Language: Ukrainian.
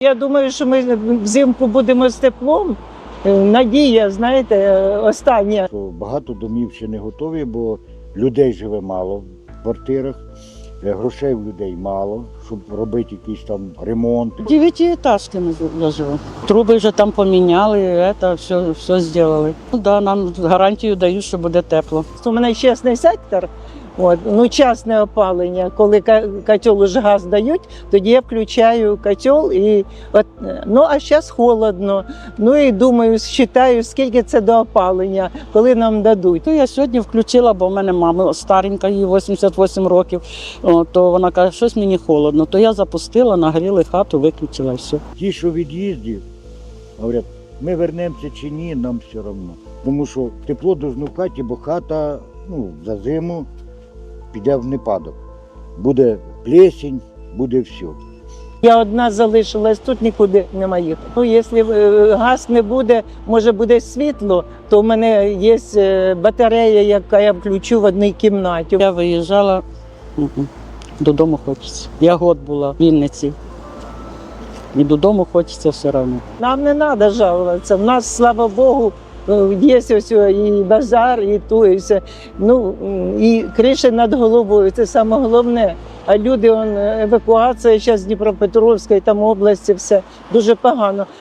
Я думаю, що ми взимку будемо з теплом. Надія, знаєте, остання. Багато домів ще не готові, бо людей живе мало в квартирах, грошей в людей мало, щоб робити якийсь там ремонт. 9-этажки я живу. Труби вже там поміняли, все зробили. Да, нам гарантію дають, що буде тепло. У мене частний сектор, частне опалення. Коли котел уже газ дають, тоді я включаю котел. А зараз холодно. І думаю, считаю, скільки це до опалення, коли нам дадуть. То я сьогодні включила, бо в мене мама старенька, їй 88 років, то вона каже, щось мені холодно. То я запустила, нагріли хату, виключила і все. Ті, що від'їзді, говорять, ми вернемося чи ні, нам все одно. Тому що тепло должно в хаті, бо хата за зиму піде в непадок. Буде плесінь, буде все. Я одна залишилась, тут нікуди нема їхати. Якщо газ не буде, може буде світло, то в мене є батарея, яка я включу в одній кімнаті. Я виїжджала, додому хочеться. Я год була в Вінниці. І додому хочеться все одно. Нам не треба жалуватися. У нас, слава Богу, є ось і базар, і то, і все. І криша над головою, це саме головне. А люди, евакуація зараз з Дніпропетровської, там області, все дуже погано.